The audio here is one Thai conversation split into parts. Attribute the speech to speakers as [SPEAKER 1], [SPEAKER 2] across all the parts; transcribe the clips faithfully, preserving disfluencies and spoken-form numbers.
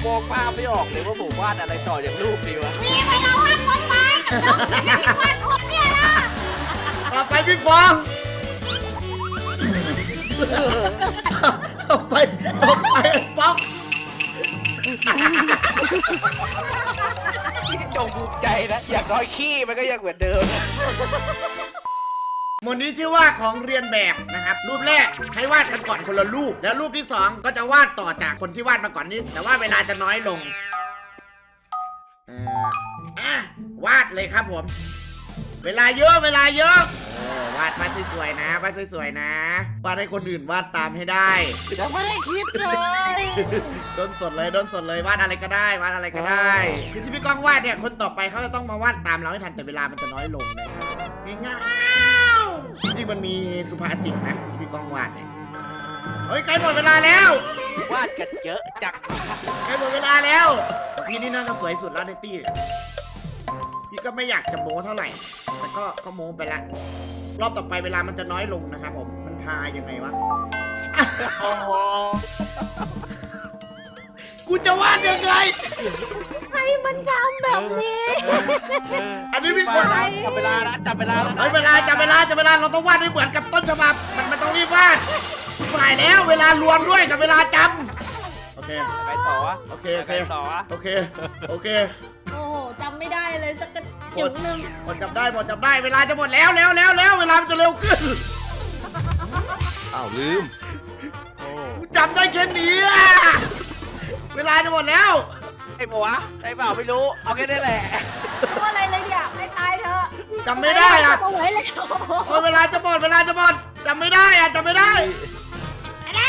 [SPEAKER 1] มองภาพไม่ออกเลยว่าผมวาดอะไรต่อจากรูปดีวะ
[SPEAKER 2] นี่ไปเราวาดต้นไม้กับน้องวาดคนเนี่ยนะ
[SPEAKER 3] ต่อไปพี่ฟองต่อไปต่อไปป๊อก
[SPEAKER 1] จงภูมิใจนะอย่างน้อยขี้มันก็ยังเหมือนเดิม
[SPEAKER 3] หมวดนี้ชื่อว่าของเรียนแบบนะครับรูปแรกให้วาดกันก่อนคนละรูปแล้วรูปที่สองก็จะวาดต่อจากคนที่วาดมาก่อนนี้แต่ว่าเวลาจะน้อยลงเอ่ออ่ะวาดเลยครับผมเวลาเยอะเวลาเยอะเออวาดวาดสวยๆนะวาดสวยๆนะวาดให้คนอื่นวาดตามให้ได้
[SPEAKER 1] ยังไม่ได้คิดเลย
[SPEAKER 3] โดนสดเลยโดนสดเลยวาดอะไรก็ได้วาดอะไรก็ได้คือที่พี่ก้องวาดเนี่ยคนต่อไปเขาจะต้องมาวาดตามเราให้ทันแต่เวลามันจะน้อยลงนะง่ายๆจริงๆมันมีสุภาษิตนะพี่ก้องวาดเนี่ยเฮ้ยใกล้หมดเวลาแล้ว
[SPEAKER 1] วาดกันเยอะจัง
[SPEAKER 3] ใกล้หมดเวลาแล้วพี่นี่น่าจะสวยสุดแล้วในตี้พี่ก็ไม่อยากจะโม้เท่าไหร่แต่ก็ก็โม้ไปละรอบต่อไปเวลามันจะน้อยลงนะครับผมมันทายังไงวะ
[SPEAKER 1] โอ้โห
[SPEAKER 3] กูจะวาดยังไง
[SPEAKER 2] ให้มันทำแบบนี้
[SPEAKER 3] อันนี้พี่คน
[SPEAKER 1] จับเวลานะจับเวลาแล้ว
[SPEAKER 3] เฮ้ยเวลาจับเวลาจับเวลาเราต้องวาดให้เหมือนกับต้นฉบับมันมันต้องรีบวาดชิบหายแล้วเวลารวมด้วยกับเวลาจำโอเค
[SPEAKER 1] ไปต่อวะ
[SPEAKER 3] โอเคโอเค
[SPEAKER 1] ไปต่อวะ
[SPEAKER 3] โอเคโอเค
[SPEAKER 2] โอ้โหจำไม่ได้เลยสักกระจุดหนึ่ง
[SPEAKER 3] หมดจับได้หมดจับได้เวลาจะหมดแล้วแล้วแล้วแล้วเวลามันจะเร็วขึ้น
[SPEAKER 4] อ้าวลืม
[SPEAKER 1] โอ้
[SPEAKER 3] กูจำได้แค่นี้อะเวลาจะหมดแล้ว
[SPEAKER 1] ไอ้ปะวะใช่เปล่าไม่รู้เอาแค่นี้แหละ
[SPEAKER 2] เพราะอะไรเลยเนี่ยไม่ตายเถอะ
[SPEAKER 3] จำไม่ได้อะ
[SPEAKER 2] เอาไว้เลย
[SPEAKER 3] โอ้ยเวลาจะหมดเวลาจะหมดจำไม่ได้อะจำไม่ได้
[SPEAKER 2] ไปแล้ว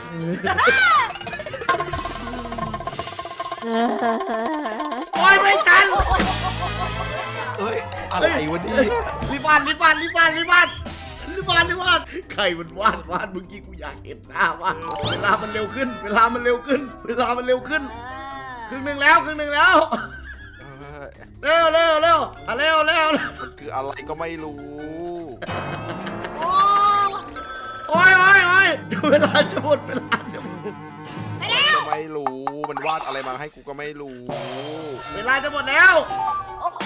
[SPEAKER 3] โอ้ยไม่ทัน
[SPEAKER 4] เฮ้ย อะไรวะเนี่ย
[SPEAKER 3] รีบวาดรีบวาดรีบวาดรีบวาดรีบวาดรีบวาดใครมันวาดวาดเมื่อกี้กูอยากเห็นหน้าวาดเวลามันเร็วขึ้น เวลามันเร็วขึ้น เวลามันเร็วขึ้นครึ่งหนึ่งแล้วครึ่งหนึ่งแล้ว
[SPEAKER 4] เอ้ย
[SPEAKER 3] เร็วเร็วเร็วอ่ะเร็วเร็ว
[SPEAKER 4] มันคืออะไรก็ไม่รู้
[SPEAKER 2] โอ้
[SPEAKER 3] โอ้ยโอ้ยโอ้ยเวลาจะหมดเวลาจะหมด
[SPEAKER 2] ไปแล้ว
[SPEAKER 4] ก็ไม่รู้ มันวาดอะไรมาให้กูก็ไม่รู้
[SPEAKER 3] เวลาจะหมดแล้ว
[SPEAKER 2] โอ้โห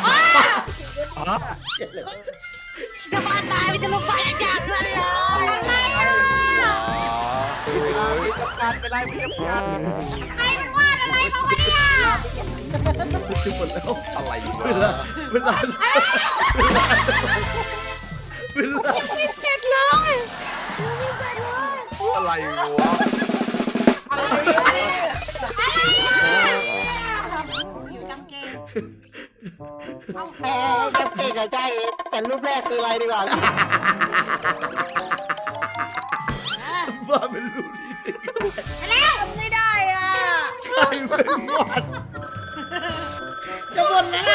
[SPEAKER 2] จะมาตายมันจะลงไปอย่างนั้นเลยอะไรอ่ะ
[SPEAKER 1] จับการไปได้เพียบกัน
[SPEAKER 2] ใครมันวาดอะไรมาวะเนี่ย
[SPEAKER 3] จะหมดแล้ว
[SPEAKER 4] อะไร
[SPEAKER 3] เวลาว
[SPEAKER 4] ะ
[SPEAKER 3] เวลาเวลา
[SPEAKER 2] ไม่เสร็จเลยไม่เสร็จเลย
[SPEAKER 4] อะไรวะ
[SPEAKER 2] อยู่จำเกม
[SPEAKER 1] แพ้จับเก่งกับใจแต่รูปแรกคืออะไรดีกว่า
[SPEAKER 3] ว่าเป็นรูนี้
[SPEAKER 2] ไปแล้วไม่ได้อ่ะ
[SPEAKER 3] ใครเป็นวาดจะหมดแล้ว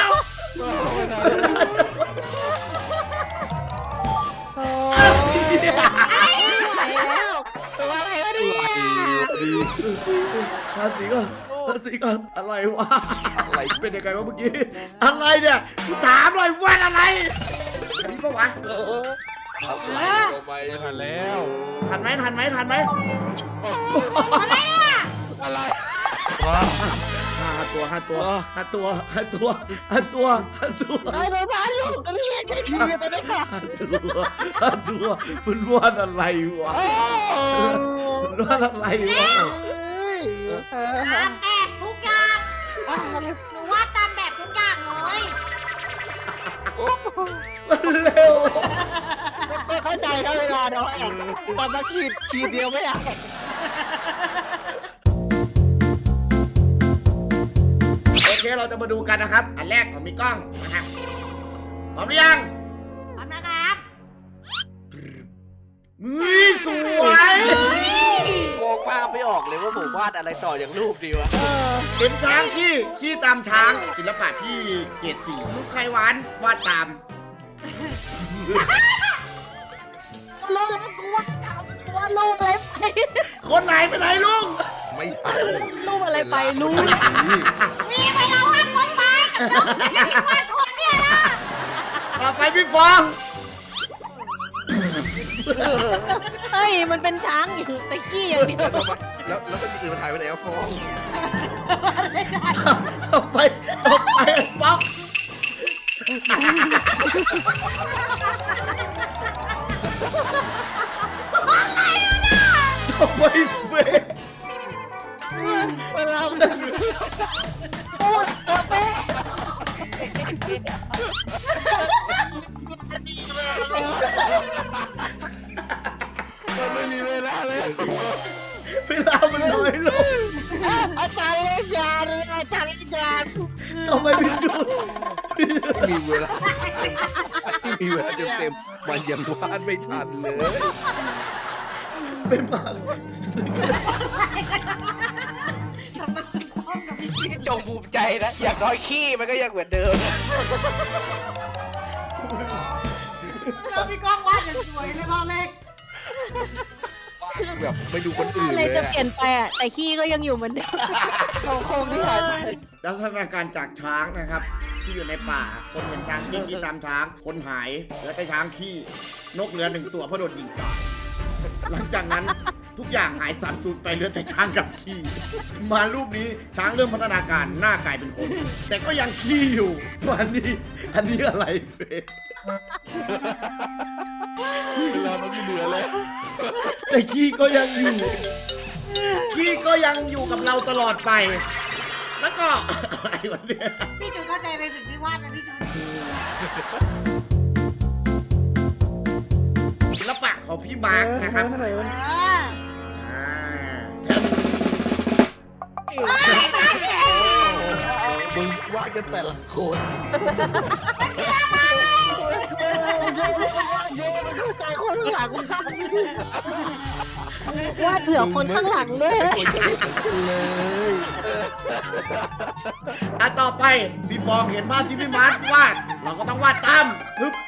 [SPEAKER 1] ไปแล้วตัวอะไรวะเนี่ย
[SPEAKER 4] ดี
[SPEAKER 3] ภาษีก่อนภาษีก่อนอะไรวะ
[SPEAKER 4] อะไร
[SPEAKER 3] เป็นยังไงวะเมื่อกี้อะไรเนี่ยกูถามหน่อยวาดอะไรอันนี้ปะวะ
[SPEAKER 4] อะไรก็ไม่ทันแล้ว
[SPEAKER 3] ทันไหมทันไหมทันไหม
[SPEAKER 2] อะไรเนี่ย
[SPEAKER 4] อะไร
[SPEAKER 3] ห้าตัวห้าตัวห้าตัวห้าตัวห้าตัวห้าตัว
[SPEAKER 1] ไอ้บ้าบ้าลูกเรียกแค่ทีไปได้ค่ะ
[SPEAKER 3] ห้าตัวห้าตัวมันวาดอะไรวะมันวาดอะไรวะ
[SPEAKER 2] ตามแบบทุกอย่างหนูว่าตามแบบทุกอย่างเลย
[SPEAKER 3] มันเร็ว
[SPEAKER 1] ก็เข้าใจนะเวลาน้อยตอนมาขีดขีดเดียวไม่อยาก
[SPEAKER 3] โอเคเราจะมาดูกันนะครับอันแรกของมีกล้องนะครับพร้อมหรือยัง
[SPEAKER 2] พร้อมนะครับ
[SPEAKER 3] มือสวย
[SPEAKER 1] มองภาพไม่ออกเลยว่าผมวาดอะไรต่อจากรูปดีวะ
[SPEAKER 3] เป็นช้างขี้ขี้ตามช้างศิลปะพี่เกรดสี่ลูกไข่หวานวาดตาม
[SPEAKER 2] โลกแล้วกูว่าตัวโลกอะไรไป
[SPEAKER 3] คนไหนไปไหนลุง
[SPEAKER 4] ไม่ทัน
[SPEAKER 2] ลูกอะไรไปลูก
[SPEAKER 4] นี่
[SPEAKER 2] นี่ไปเราวาดต้นไม้กับน้องวาดคนเนี่ยนะ
[SPEAKER 3] ต่อไปพี่ฟอง
[SPEAKER 2] เฮ้ยมันเป็นช้างอยู่ตะกี้อย่างเดียว
[SPEAKER 4] ทำไมแล้วแล้วมันอื่นมันหายไปไหนอะฟอง
[SPEAKER 3] ต่อไปต่อไปไอ้ป๊อกต่อไปเฟย์
[SPEAKER 1] เวลามันโอ้ยเป๊ะ
[SPEAKER 4] มันไม่มีเวลาเลย
[SPEAKER 3] เวลามันน้อยลง
[SPEAKER 1] อาจารย์เล่นยาเลยอาจารย์เล่นยา
[SPEAKER 3] ต่อไปพี่จูน
[SPEAKER 4] ไม่มีเวลาไม่มีเวลาเต็มๆมันยังวาดไม่ทันเลย
[SPEAKER 3] ไม่มาก
[SPEAKER 5] พี่จงภูมิใจนะ อย่างน้อยขี้มันก็ยังเหมือนเดิม
[SPEAKER 2] แล้วพี่ก้องวาดอย่างสวยเลยพ่อเล็ก
[SPEAKER 4] แบบไม่ดูคนอื่น
[SPEAKER 6] อะไร
[SPEAKER 4] เลย
[SPEAKER 6] จะ
[SPEAKER 4] อะ
[SPEAKER 6] เปลี่ยนไปอ่ะ แต่ขี้ก็ยังอยู่เหมือนเดิม
[SPEAKER 1] โครงที่หายไป
[SPEAKER 3] ลักษณะการจากช้างนะครับ ที่อยู่ในป่า คนเห็นช้างขี้ขี้ตามช้าง คนหายแล้วก็ช้างขี้นกเหลือหนึ่งตัวเพราะโดนยิงตายหลังจากนั้นทุกอย่างหายสาบสูญไปเหลือแต่ช้างกับขี้มารูปนี้ช้างเริ่มพัฒนาการหน้ากลายเป็นคน แต่ก็ยังขี้อยู่วันนี้อันนี้อะไรเฟย์
[SPEAKER 4] เวลามันไม่เหลือเลย
[SPEAKER 3] แต่ขี้ก็ยังอยู่ขี้ก็ยังอยู่กับเราตลอดไป แล้วก็อะไรวะเนี่ย
[SPEAKER 2] พี่จูนเข้าใจในสิ่งที่วาดนะพี่จูน
[SPEAKER 3] ศิลปะของพี่มาร์คนะครับ
[SPEAKER 2] เออ
[SPEAKER 3] อ่าแถม
[SPEAKER 4] มึงวาดกันแต่ละคน
[SPEAKER 1] โยนมันเข้าใจคนข้างหลัง
[SPEAKER 6] วาดเผื่อคนข้างหลังด้วย
[SPEAKER 4] แต่คนจะไม่เหมือนกันเลย
[SPEAKER 3] อ่ะต่อไปพี่ฟองเห็นภาพที่พี่มาร์ควาด เราก็ต้องวาดตามปึ๊บ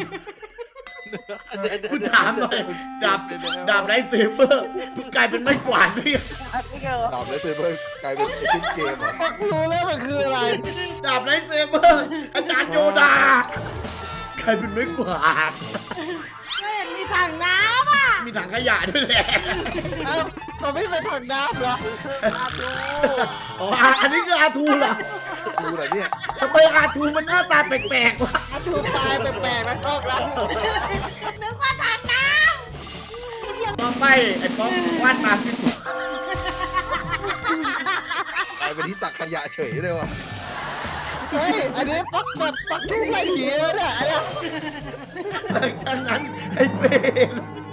[SPEAKER 3] คุณถามหน่อยดาบดาบไรเซเบอร์กลายเป็นไม้กวาดด้วย
[SPEAKER 4] ดาบแล้วเซเบอร์กลายเป็นชิ้นเกมเหรอ
[SPEAKER 1] รู้แล้วมันคืออะไร
[SPEAKER 3] ดาบไรเซเบอร์อาจารย์โยดากลายเป็นไม้กวาด
[SPEAKER 2] ก็เห็นมีถังน้ำอ่ะ
[SPEAKER 3] มีถังขยะด้วยแหละ
[SPEAKER 1] เอ้ามันไม่เป็นถังน้ำเหรอ
[SPEAKER 3] อ๋ออ่ะอันนี้คืออาทูเหรอ
[SPEAKER 4] ดูหน่อยเนี่ย
[SPEAKER 3] ทำไมอาทูมันหน้าตาแปลกๆวะ
[SPEAKER 1] ถูกตายแปลกๆแล้วก็รัก
[SPEAKER 2] นึกว่าถังน้
[SPEAKER 3] ต่อไปไอ้ป๊อกวาดตามพี่ฟอง
[SPEAKER 4] กลายเป็นที่ตักขยะเฉยเลยว่ะ
[SPEAKER 1] เฮ้ยอันนี้ปักแบบปักทุ่งไม่ผีเลยเนี่ยอันเนี้ย
[SPEAKER 3] หลังจากนั้นไอ้เฟรน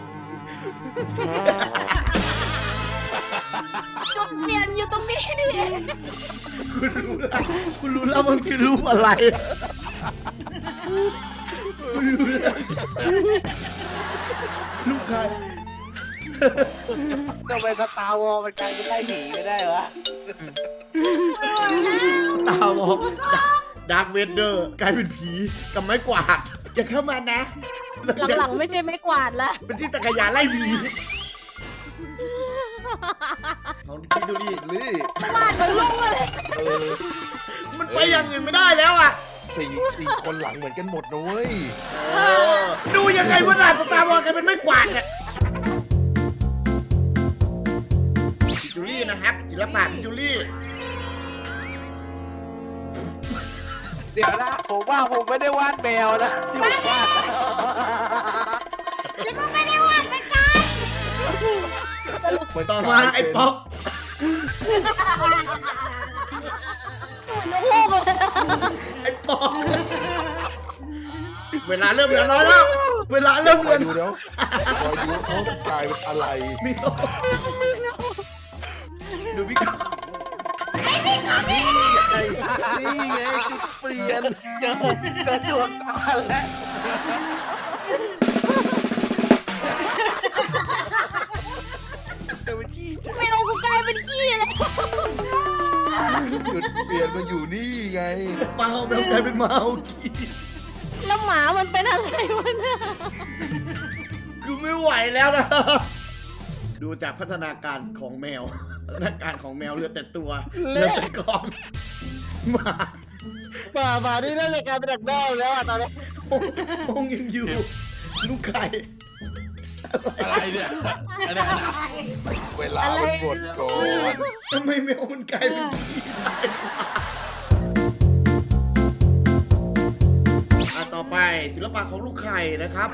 [SPEAKER 6] จุดเปลี่ยนอยู่ตรงนี้ดิ
[SPEAKER 3] คุณรู้แล้วคุณรู้แล้วมันคือรูปอะไรคุณรู้แล้วลูกใคร
[SPEAKER 5] ทำไมสตาร์วอลมันกลายเป็นไล่ผีไม่ได้วะ
[SPEAKER 3] ตาวอกดาร์คเวเดอร์กลายเป็นผีกับไม้กวาด อย่าเข้ามานะ
[SPEAKER 6] หลังๆไม่ใช่ไม้กวาดละ
[SPEAKER 3] เป็นที่ตะกยานไล่ผีของคิดดูดิ
[SPEAKER 4] นี่
[SPEAKER 6] วาดมันลุ่งเลย
[SPEAKER 4] เออ
[SPEAKER 3] มันไปอย่างอื่นไม่ได้แล้วอ่ะ
[SPEAKER 4] สี่สี่คนหลังเหมือนกันหมดนะเว้ย
[SPEAKER 3] ดูยังไงว่าดาบสตาร์วอลกลายเป็นไม้กวาดเนี่ยพิจูรี่นะครับศิลปะพิจูรี่
[SPEAKER 5] เดี๋ยวนะ ผมว่าผมไม่ได้วาดแมวนะที่ผมวาดนะ
[SPEAKER 2] ำแล้วก็ไม่ได้วาดเหมือนกัน
[SPEAKER 4] มัน
[SPEAKER 3] ต่อก มา
[SPEAKER 4] ลาย
[SPEAKER 3] ไอ้
[SPEAKER 4] เป็น
[SPEAKER 3] ป๊อก
[SPEAKER 6] ลูกเลย
[SPEAKER 3] ไอ้ป๊อกเวลาเริ่มเหลือน้อยแล้ว เวลาเริ่มเห
[SPEAKER 4] ค
[SPEAKER 3] ลื
[SPEAKER 4] อ
[SPEAKER 3] อย
[SPEAKER 4] ดูแล้วคอยดูเขากลายเป็นอะไร
[SPEAKER 3] มีโตดูพี่กอล์ฟ
[SPEAKER 4] นี่ไงนี่ไงจุดเปลี่ยน
[SPEAKER 5] เจอเจอตัวตาแล้ว
[SPEAKER 6] แมวกูกลายเป็นขี้เลย
[SPEAKER 4] จุดเปลี่ยนมาอยู่นี่ไง
[SPEAKER 3] เมาแมวกลายเป็นเมาขี้
[SPEAKER 6] แล้วหมามันเป็นอะไรวะเนี่ย
[SPEAKER 3] คือไม่ไหวแล้วนะ ดูจากพัฒนาการของแมว พัฒนาการของแมวเหลือแต่ตัวเหลือแต่กองหมา
[SPEAKER 1] ป่าป่านี่น่าจะกลายเป็นดักแด้แล้วอ่ะตอนนี้
[SPEAKER 3] องค์ยังอยู่ ลูกไข่
[SPEAKER 5] อะไรเนี่ยอันนี้
[SPEAKER 4] เวลามันหมดก่อน
[SPEAKER 3] ทำไมแมวมันกลายเป็นผีได้วะอ่ะต่อไปศิลปะของลูกไข่นะครับ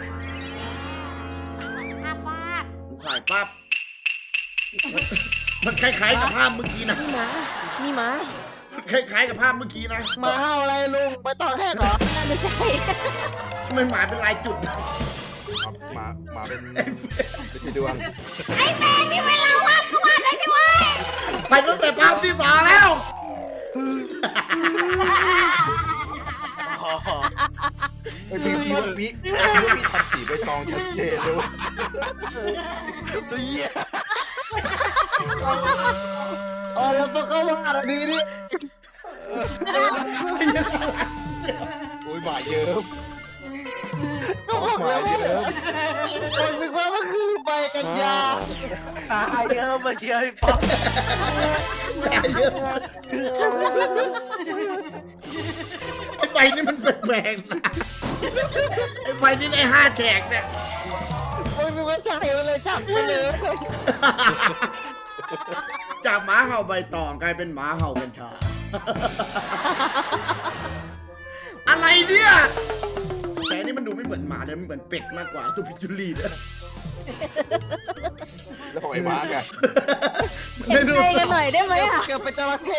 [SPEAKER 2] ภาพวาด
[SPEAKER 3] ลูกไข่ปั๊บมันมันคล้ายๆกับภาพเมื่อกี้นะ
[SPEAKER 6] มีหมามีหมา
[SPEAKER 3] มันคล้ายๆกับภาพเมื่อกี้นะ
[SPEAKER 1] มาเห่าอะไรลุงไปต่อแค่เหรอ
[SPEAKER 6] น่าจะใช่
[SPEAKER 3] ทำไมหมาเป็นลายจุด
[SPEAKER 4] หมาหมาเป็นเป็นสีดวง
[SPEAKER 2] ไอ้แม่นี่เวลาวาดก็วาดได้ใช่ไหม
[SPEAKER 3] ไปตั้งแต่ภาพที่สองแล้ว
[SPEAKER 4] ไอพี่พี่ว่าพี่พี่ว่าพี่ทำสีใบตองชัดเจนเลย
[SPEAKER 5] ตัวเหี้ย
[SPEAKER 1] อ๋อแล้วก็เขาว่าอะไรดีนี่
[SPEAKER 4] โอ้ยหมาเยิ้ม
[SPEAKER 1] ก็บอก
[SPEAKER 4] หมา
[SPEAKER 1] แล้วว่า
[SPEAKER 4] เยิ้ม
[SPEAKER 1] คนนึกว่ามันคือใบกัญญา
[SPEAKER 5] ตายเยอะมาเชียร์ให้ป๊อป
[SPEAKER 3] ไอ้ใบนี่มันแปลกๆนะไอ้ใบนี่ได้ห้าแฉกเนี่ย
[SPEAKER 1] คนนึกว่าใช่เลยจัดไปเลย
[SPEAKER 3] จากหมาเห่าใบตองกลายเป็นหมาเห่ากัญชา อะไรเนี่ยแต่อันนี่มันดูไม่เหมือนหมาเลยมันเหมือนเป็ดมากกว่าตัวพิจูรีเนี่ย
[SPEAKER 4] แล้วของไอ้มาร์กอะ
[SPEAKER 6] เห็นใจกันหน่อยได้ไหมอ่ะ
[SPEAKER 1] เกือบไปจระเข้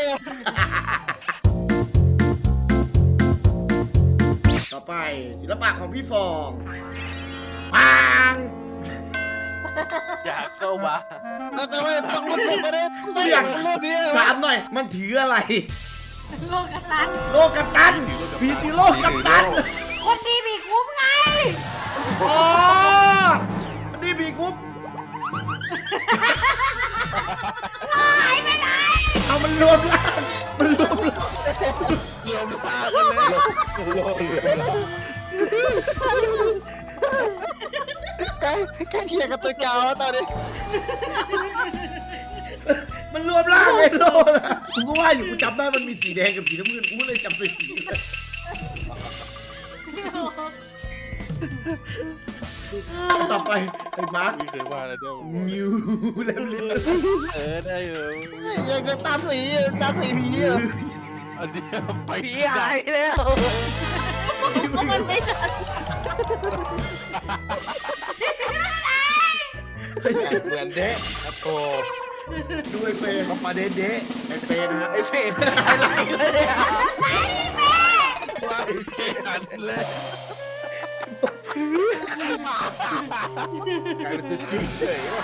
[SPEAKER 3] ต่อไปศิลปะของพี่ฟองปัง
[SPEAKER 5] อยากเข้ามา
[SPEAKER 1] เราจะไม่ต้องรุ่นผมไม่ได้ไม่อยากรุ่นนี้
[SPEAKER 3] ถามหน่อย มันถืออะไร
[SPEAKER 2] โลกกันลัน
[SPEAKER 3] โลกัปตันพีติโลกัปตัน
[SPEAKER 2] คนดีมีคุ้มไง
[SPEAKER 3] อ๋อนี่พีกุ๊บ
[SPEAKER 2] หายไปไหน
[SPEAKER 3] เอามันรวมร่างมันรวมร่าง
[SPEAKER 5] รวมตากันเลย
[SPEAKER 4] โลกเหลือง
[SPEAKER 1] ใกล้ใกล้เคียงกับตัวเก่าแล้วตอนนี้
[SPEAKER 3] มันรวมร่างไอ้โลนะกูก็ว่าอยู่กูจำได้มันมีสีแดงกับสีน้ำเงินกูเลยจำสีเลยต่อไปไอ้มาร์ค
[SPEAKER 5] ไม่เคยว่าอะไรด้วย
[SPEAKER 3] มิวแล้วลิ้น
[SPEAKER 5] เออได้เออ
[SPEAKER 1] ยังจะตามสีตามสีผีอ่ะ
[SPEAKER 5] อันเดียวไป
[SPEAKER 1] ผีหายแล้ว
[SPEAKER 6] มันไม่ทัน
[SPEAKER 4] เหมือนเดะอะโต
[SPEAKER 3] ดูไอ้เฟย์
[SPEAKER 4] เขามาเดะเดะ
[SPEAKER 3] ไอ้เฟย์นะฮะ
[SPEAKER 1] ไอ้เฟรมอะไรเลยเนี่ย
[SPEAKER 4] ว่าไอ้เจ๊หันเลยกลายเป็นตัวจริงเฉยว่ะ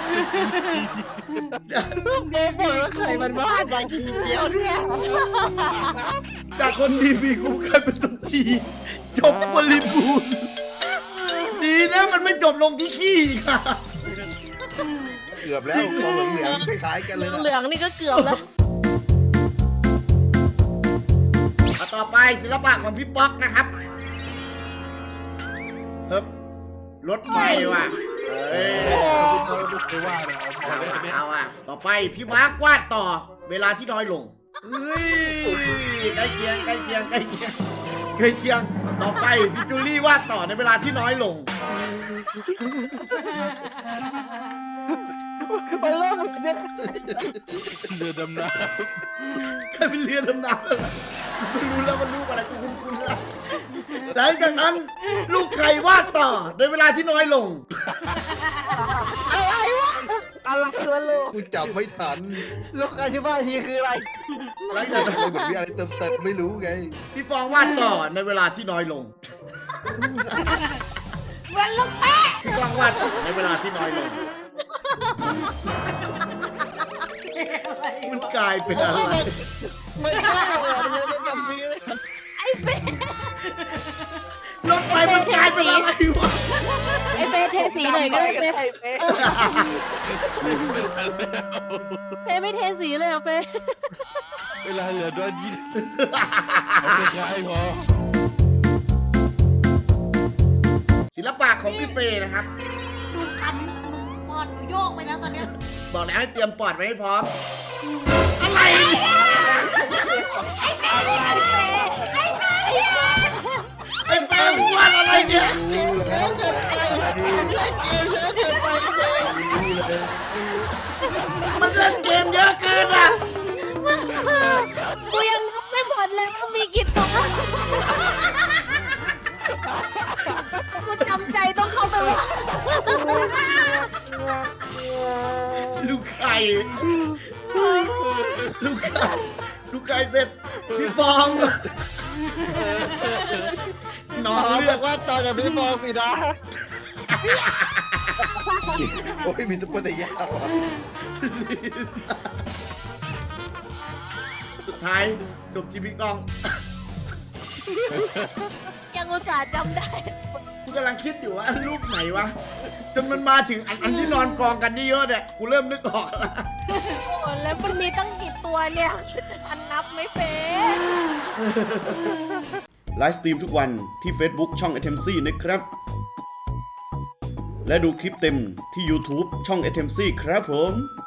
[SPEAKER 1] เด็กบอกว่าใครมันวาดมากี่เดียวเนี่ย
[SPEAKER 3] จากคนดีมีกูกลายเป็นตัวจีจบบริบูรณ์ดีนะมันไม่จบลงที่ขี้อีกอะ
[SPEAKER 4] เกือบแล้วตัวเหลืองๆคล้ายๆกันเลยนะ
[SPEAKER 6] เหลืองนี่ก็เกือบแล้ว
[SPEAKER 3] เอาต่อไปศิลปะของพี่ป๊อกนะครับเฮ้บรถไฟว่ะเอ้ย
[SPEAKER 5] ไม่เคยว่านะ
[SPEAKER 3] เอา
[SPEAKER 5] เอา
[SPEAKER 3] อะ
[SPEAKER 5] ไป
[SPEAKER 3] เอาอะต่อไปพี่มาร์ควาดต่อเวลาที่น้อยลงเฮ้ยใกล้เคียงใกล้เคียงใกล้เคียงใกล้เคียงต่อไปพี่จูลี่วาดต่อในเวลาที่น้อยลง
[SPEAKER 1] มันเริ่มมันจะ
[SPEAKER 5] เรือดำน้
[SPEAKER 3] กลายเป็นเรือดำน้ำแล้วล่ะกูรู้แล้วมันรูปอะไรกูคุ้นๆแล้วหลังจากนั้นลูกไข่วาดต่อในเวลาที่น้อยลง
[SPEAKER 1] อะไรวะอะไรวะลูก
[SPEAKER 4] กูจับไม่ทัน
[SPEAKER 1] ลูกอธิบายทีคืออะไร
[SPEAKER 3] หลังจากนั้น
[SPEAKER 4] เลยเหมือนมีอะไรเติมเต็มไม่รู้ไง
[SPEAKER 3] พี่ฟองวาดต่อในเวลาที่น้อยลง
[SPEAKER 2] เหมือนลูกแป๊ะ
[SPEAKER 3] พี่ฟองวาดต่อในเวลาที่น้อยลง มันกลายเป็นอะไร
[SPEAKER 1] ไม่ใช่เหรอมันเลยเป็นแบบนี้เลย
[SPEAKER 6] ไอ้เฟย์
[SPEAKER 3] รถไฟมันกลายเป็นอะไรวะ
[SPEAKER 6] ไอ้เฟย์เทสีหน่อยก็ได้เฟย์
[SPEAKER 5] ำ
[SPEAKER 6] เฟย์ไม่เทสีเลยอ่ะเฟย์
[SPEAKER 5] เวลาเหลือดวนยินเอาไปคล้ายพอ
[SPEAKER 3] ศิลปะของพี่เฟย์นะครับ
[SPEAKER 2] ดูคันปอดหนูโยกไปแล้วตอนเนี้ย
[SPEAKER 3] บอกแล้วให้เตรียมปอดไว้ให้พร้อม อะไร ไอ้เฟย์วาดอะไรเนี่ย
[SPEAKER 4] รู้แล้ว
[SPEAKER 1] เกินไปเล่นเกมเยอะเกินไป
[SPEAKER 3] ก่ลูกไก่ลูกไก่เสร็จพี่ฟองนอน
[SPEAKER 1] ขอ
[SPEAKER 3] เลื
[SPEAKER 1] บ
[SPEAKER 3] อ
[SPEAKER 1] อกว่าต่อจากพี่ฟองสินะ
[SPEAKER 4] โอ้ยมีตุ๊กตายาวอ่ะ
[SPEAKER 3] สุดท้ายจบที่พี่ก้อง
[SPEAKER 6] ยังอุตส่าห์จำได้
[SPEAKER 3] กูกำลังคิดอยู่ว่ารูปไหนวะจนมันมาถึงอันอันที่นอนกองกันเยอะๆเนี่ยกูเริ่มนึกออกแล้ว
[SPEAKER 6] โอ้แล้วมันมีตั้งกี่ตัวเนี่ยอันนับไม่เป็น
[SPEAKER 3] ไลฟ์สตรีมทุกวันที่ Facebook ช่อง เอ ที เอ็ม ซี นะครับ และดูคลิปเต็มที่ YouTube ช่อง เอ ที เอ็ม ซี ครับผม